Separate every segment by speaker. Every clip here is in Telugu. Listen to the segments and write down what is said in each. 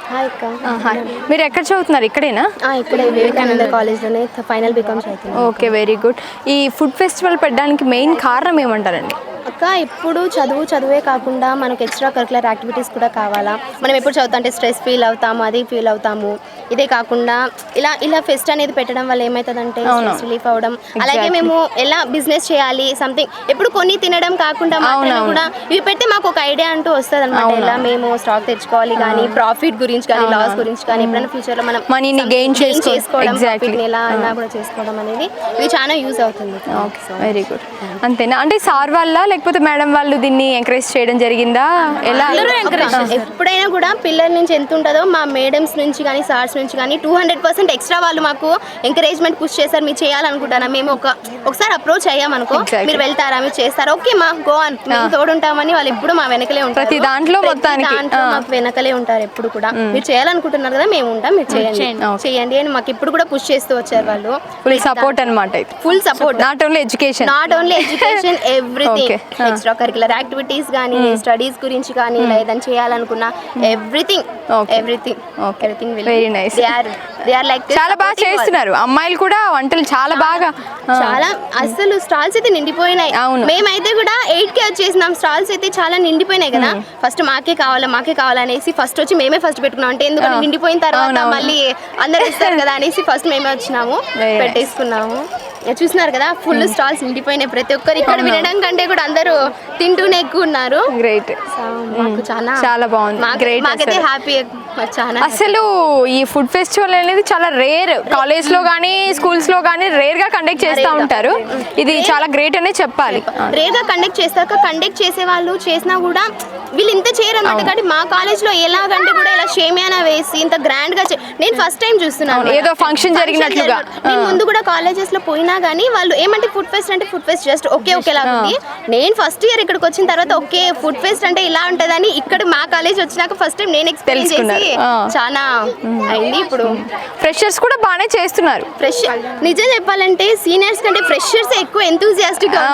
Speaker 1: హాయ్ అక్క.
Speaker 2: హాయ్, మీరు ఎక్కడ చదువుతున్నారు? ఇక్కడేనా?
Speaker 1: ఇక్కడే వివేకానంద కాలేజ్లోనే ఫైనల్ బీకామ్ చదువుతున్నాను.
Speaker 2: Okay, very good. ఈ ఫుడ్ ఫెస్టివల్ పెట్టడానికి మెయిన్ కారణం ఏమంటారండి?
Speaker 1: అక్క, ఇప్పుడు చదువే కాకుండా మనకు ఎక్స్ట్రా కరికులర్ యాక్టివిటీస్ కూడా కావాలా. మనం ఎప్పుడు చదువుతుంటే స్ట్రెస్ ఫీల్ అవుతాము, అది ఫీల్ అవుతాము. ఇదే కాకుండా ఇలా ఫెస్ట్ అనేది పెట్టడం వల్ల ఏమవుతుందంటే స్ట్రెస్ రిలీఫ్ అవ్వడం. అలాగే మేము ఎలా బిజినెస్ చేయాలి సంథింగ్ ఎప్పుడు కొని తినడం కాకుండా కూడా ఇవి పెడితే మాకు ఒక ఐడియా అంటూ వస్తుంది అనమాట. ఎలా మేము స్టాక్ తెచ్చుకోవాలి కానీ, ప్రాఫిట్ గురించి కానీ, లాస్ గురించి కానీ, ఎప్పుడైనా ఫ్యూచర్లో మనం
Speaker 2: మనీని గెయిన్ చేసుకోవడం,
Speaker 1: ఎలా అన్నా కూడా చేసుకోవడం అనేది ఇది చాలా యూజ్ అవుతుంది.
Speaker 2: Very good. అంతేనా? అంటే సార్ వాళ్ళ లేకపోతే మేడం వాళ్ళు దీన్ని ఎంకరేజ్ చేయడం జరిగిందా? ఎలా?
Speaker 1: ఎప్పుడైనా కూడా పిల్లల నుంచి ఎంత ఉంటుందో మా మేడమ్స్ నుంచి కానీ, సార్స్ నుంచి కానీ 200% ఎక్స్ట్రా వాళ్ళు మాకు ఎంకరేజ్మెంట్ పుష్ చేశారు. మీరు చేయాలనుకుంటారా? మేము ఒకసారి అప్రోచ్ అయ్యామనుకో, మీరు వెళ్తారా, మీరు చేస్తారా, ఓకే మా గో అని మేము తోడుంటామని వాళ్ళు ఎప్పుడు మా వెనకలే ఉంటారు.
Speaker 2: ప్రతి దాంట్లో
Speaker 1: మాకు వెనకలే ఉంటారు ఎప్పుడు కూడా. మీరు చేయాలనుకుంటున్నారు కదా, మేము ఉంటాం, మీరు చేయండి అని మాకు ఇప్పుడు కూడా పుష్ చేస్తూ వచ్చారు వాళ్ళు.
Speaker 2: ఫుల్ సపోర్ట్ అనమాట.
Speaker 1: Full support.
Speaker 2: Not only education
Speaker 1: everything. Extra curricular activities కానీ, స్టడీస్ గురించి కానీ, ఏదైనా చేయాలనుకున్నా ఎవ్రీథింగ్.
Speaker 2: Very nice. చాలా బాగా చేస్తున్నారు అమ్మాయిలు కూడా వంటలు. చాలా
Speaker 1: అసలు స్టాల్స్ అయితే నిండిపోయినాయి. మేమైతే కూడా 8K వచ్చేసినాం. స్టాల్స్ అయితే చాలా నిండిపోయినాయి కదా. ఫస్ట్ మాకే కావాలనేసి ఫస్ట్ వచ్చి మేమే ఫస్ట్ పెట్టుకున్నాం. అంటే ఎందుకంటే నిండిపోయిన తర్వాత మళ్ళీ అందరు ఇస్తారు కదా అనేసి ఫస్ట్ మేమే వచ్చినాము, పెట్టేసుకున్నాము. చూస్తున్నారు కదా, ఫుల్ స్టాల్స్ నిండిపోయినాయి. ప్రతి ఒక్కరు ఇక్కడ వినడం కంటే కూడా అందరూ తింటూనే ఎక్కువ ఉన్నారు.
Speaker 2: గ్రేట్. చాలా బాగుంది.
Speaker 1: మాకైతే హ్యాపీ.
Speaker 2: అసలు ఈ ఫుడ్ ఫెస్టివల్ అనేది చాలా రేర్. కాలేజ్ లో కానీ, స్కూల్స్ లో కానీ రేర్ గా కండక్ట్ చేస్తూ ఉంటారు. ఇది చాలా గ్రేట్ అనే చెప్పాలి.
Speaker 1: రేర్ గా కండక్ట్ చేసే వాళ్ళు చేసినా కూడా వీళ్ళు ఇంత చేయరన్నమాట. కానీ మా కాలేజ్ లో ఎలాగంటే కూడా ఇలా షేమియానా వేసి ఇంత గ్రాండ్ గా నేను ఫస్ట్ టైం చూస్తున్నాను.
Speaker 2: ఏదో ఫంక్షన్ జరిగినట్లుగా.
Speaker 1: నేను ముందు కూడా కాలేజెస్ లో పోయినా కానీ వాళ్ళు ఏమంటే ఫుడ్ ఫెస్ట్ అంటే ఫుడ్ ఫెస్ట్ జస్ట్ ఒకేలా ఉంది. నేను ఫస్ట్ ఇయర్ ఇక్కడికి వచ్చిన తర్వాత ఓకే ఫుడ్ ఫెస్ట్ అంటే ఇలా ఉంటదని ఇక్కడ మా కాలేజ్ వచ్చినాక ఫస్ట్ టైం నేను ఎక్స్పీరియన్స్ చేసి చాలా అయింది. ఇప్పుడు
Speaker 2: ఫ్రెషర్స్ కూడా బాగానే చేస్తున్నారు.
Speaker 1: నిజం చెప్పాలంటే సీనియర్స్ కంటే ఫ్రెషర్స్ ఎక్కువ ఎంతూజియాస్టిక్ గా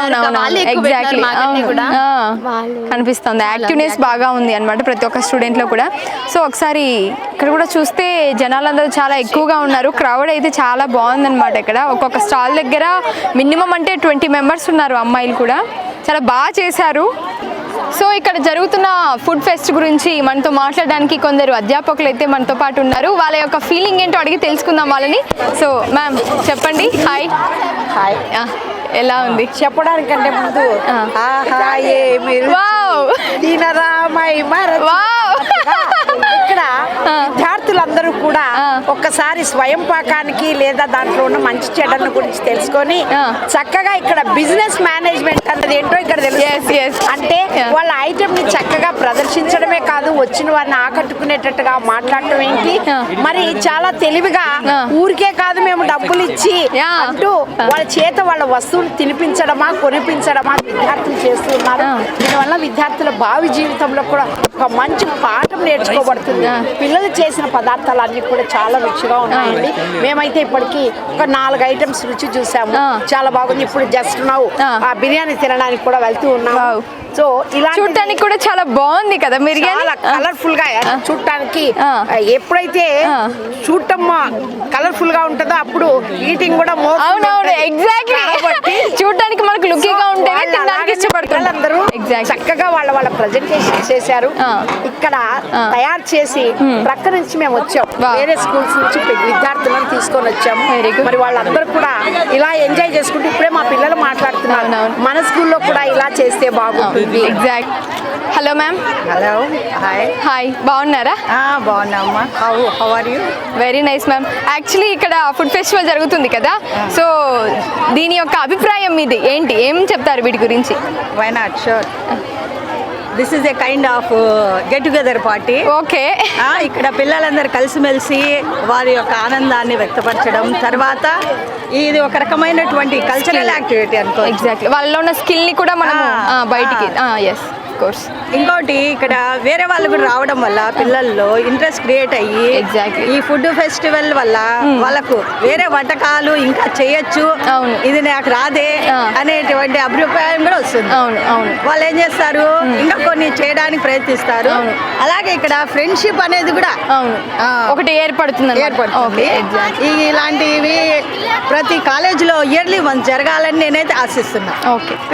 Speaker 2: కనిపిస్తుంది. యాక్టివ్నెస్ బాగా ఉంది అన్నమాట ప్రతి ఒక్క స్టూడెంట్ లో కూడా. సో ఒకసారి ఇక్కడ కూడా చూస్తే జనాలందరూ చాలా ఎక్కువగా ఉన్నారు. క్రౌడ్ అయితే చాలా బాగుంది అనమాట. ఇక్కడ ఒక్కొక్క స్టాల్ దగ్గర మినిమం అంటే 20 మెంబర్స్ ఉన్నారు. అమ్మాయిలు కూడా చాలా బాగా చేశారు. సో ఇక్కడ జరుగుతున్న ఫుడ్ ఫెస్ట్ గురించి మనతో మాట్లాడడానికి కొందరు అధ్యాపకులు అయితే మనతో పాటు ఉన్నారు. వాళ్ళ యొక్క ఫీలింగ్ ఏంటో అడిగి తెలుసుకుందాం వాళ్ళని. సో మ్యామ్ చెప్పండి. హాయ్. ఎలా ఉంది?
Speaker 3: చెప్పడానికంటే ముందు ఇక్కడ విద్యార్థులందరూ కూడా ఒక్కసారి స్వయం పాకానికి లేదా దాంట్లో ఉన్న మంచి చెడ్డల గురించి తెలుసుకొని చక్కగా ఇక్కడ బిజినెస్ మేనేజ్మెంట్ అన్నది ఏంటో ఇక్కడ తెలుసు. అంటే వాళ్ళ ఐటమ్ ని చక్కగా ప్రదర్శించడమే కాదు, వచ్చిన వారిని ఆకట్టుకునేటట్టుగా మాట్లాడటం ఏంటి, మరి చాలా తెలివిగా ఊరికే కాదు మేము డబ్బులు ఇచ్చి అంటూ వాళ్ళ చేత వాళ్ళ వస్తువులు తినిపించడమా కొనిపించడమా విద్యార్థులు చేస్తున్నారు. దీనివల్ల విద్యార్థుల భావి జీవితంలో కూడా ఒక మంచి పాఠం నేర్చుకోబడుతుంది. పిల్లలు చేసిన పదార్థాలు అన్ని కూడా చాలా రుచిగా ఉన్నాయండి. మేమైతే ఇప్పటికీ ఒక 4 ఐటమ్స్ రుచి చూసాము, చాలా బాగుంది. ఇప్పుడు జస్ట్ నవ్వు ఆ బిర్యానీ తినడానికి కూడా వెళ్తూ ఉన్నాము. సో ఇలా
Speaker 2: చూడటానికి కూడా చాలా బాగుంది కదా. మీరు
Speaker 3: చాలా కలర్ఫుల్ గా చూడటానికి ఎప్పుడైతే చూడటం కలర్ఫుల్ గా ఉంటుందో అప్పుడు ఈటింగ్ కూడా
Speaker 2: ఎగ్జాక్ట్లీ చూడటానికి మనకు లుకీగా ఉంటే ఇష్టపడుతున్నారు అందరూ.
Speaker 3: చక్కగా వాళ్ళ ప్రజెంటేషన్ చేశారు. ఇక్కడ తయారు చేసి ప్రక్క నుంచి మేము వచ్చాం, వేరే స్కూల్స్ నుంచి విద్యార్థులను తీసుకొని వచ్చాము. మరి వాళ్ళందరూ కూడా ఇలా ఎంజాయ్ చేసుకుంటూ ఇప్పుడే మా పిల్లలు మాట్లాడుతున్నారు, మన స్కూల్లో కూడా ఇలా చేస్తే బాగుంటుంది.
Speaker 2: Exact. Hello ma'am.
Speaker 3: Hello.
Speaker 2: Hi. బాగున్నారా?
Speaker 3: బాగున్నామ్మా. How are you?
Speaker 2: Very nice ma'am. Actually ఇక్కడ ఫుడ్ ఫెస్టివల్ జరుగుతుంది కదా, సో దీని యొక్క అభిప్రాయం మీది ఏంటి? ఏం చెప్తారు వీటి గురించి?
Speaker 4: Why not, sure. This is a kind of get together party.
Speaker 2: Okay.
Speaker 4: ఇక్కడ పిల్లలందరూ కలిసిమెలిసి వారి యొక్క ఆనందాన్ని వ్యక్తపరచడం, తర్వాత ఇది ఒక రకమైనటువంటి కల్చరల్ యాక్టివిటీ అనుకో.
Speaker 2: ఎగ్జాక్ట్లీ. వాళ్ళలో ఉన్న స్కిల్ని కూడా మనం బయటికి. ఎస్. కోర్స్.
Speaker 4: ఇంకోటి ఇక్కడ వేరే వాళ్ళు కూడా రావడం వల్ల పిల్లల్లో ఇంట్రెస్ట్ క్రియేట్ అయ్యి
Speaker 2: Exactly.
Speaker 4: ఈ ఫుడ్ ఫెస్టివల్ వల్ల వాళ్ళకు వేరే వంటకాలు ఇంకా చేయొచ్చు,
Speaker 2: అవును.
Speaker 4: ఇది నాకు రాదే అనేటువంటి అభిప్రాయం కూడా వస్తుంది.
Speaker 2: అవును అవును
Speaker 4: వాళ్ళు ఏం చేస్తారు, ఇంకా కొన్ని చేయడానికి ప్రయత్నిస్తారు. అలాగే ఇక్కడ ఫ్రెండ్షిప్ అనేది కూడా
Speaker 2: అవును ఒకటి ఏర్పడుతుంది
Speaker 4: ఏర్పడుతుంది. ఇలాంటివి ప్రతి కాలేజీలో ఇయర్లీ వన్స్ జరగాలని నేనైతే ఆశిస్తున్నా.
Speaker 2: ఓకే.